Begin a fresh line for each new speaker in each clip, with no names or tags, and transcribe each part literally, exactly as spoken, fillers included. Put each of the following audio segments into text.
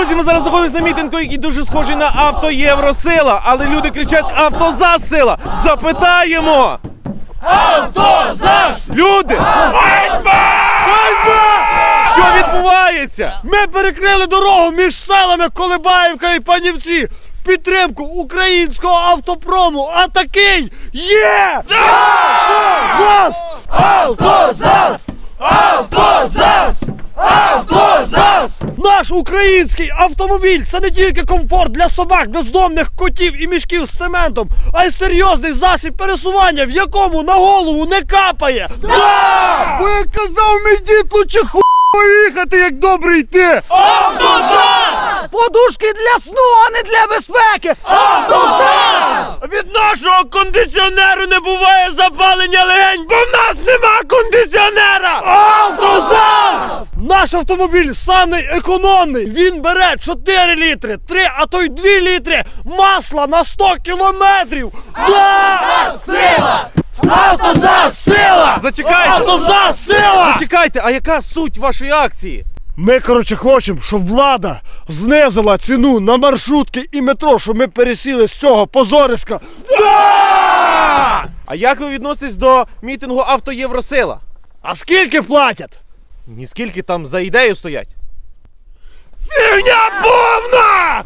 Друзі, ми зараз знаходимося на мітингу, який дуже схожий на «Авто-Євросила», але люди кричать «АвтоЗАЗ-сила». Запитаємо! АвтоЗАЗ! Люди! Ганьба! Ганьба! Що відбувається?
Ми перекрили дорогу між селами Колебаївка і Панівці в підтримку українського автопрому. А такий є! АвтоЗАЗ! АвтоЗАЗ! АвтоЗАЗ! АвтоЗАЗ! Наш український автомобіль – це не тільки комфорт для собак, бездомних котів і мішків з цементом, а й серйозний засіб пересування, в якому на голову не капає. Да! Бо як казав мій дід, лучше ху поїхати, як добре йти. АвтоЗАЗ! Подушки для сну, а не для безпеки. АвтоЗАЗ!
Від нашого кондиціонеру не буває запалення легень, бо в нас нема кондиціонера!
АвтоЗАЗ! Наш автомобіль самий економний. Він бере чотири літри, три, а то й дві літри масла на сто кілометрів.
АвтоЗАЗ сила! АвтоЗАЗ сила!
Зачекайте!
АвтоЗАЗ сила!
Зачекайте, а яка суть вашої акції?
Ми, коротше, хочемо, щоб влада знизила ціну на маршрутки і метро, щоб ми пересіли з цього позориська. Да!
А як ви відноситесь до мітингу «Авто-Євросила»?
А скільки платять?
Ніскільки там за ідею стоять?
Фігня повна!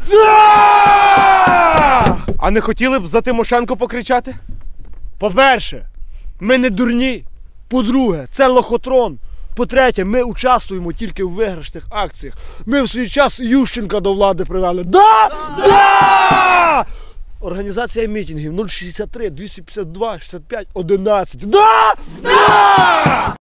Да! А не хотіли б за Тимошенко покричати?
По-перше, ми не дурні. По-друге, це лохотрон. По-третє, ми участвуємо тільки в виграшних акціях. Ми в свій час Ющенка до влади привели. Да? Да! Організація мітингів нуль шістдесят три двісті п'ятдесят два шістдесят п'ять одинадцять. Да? Да!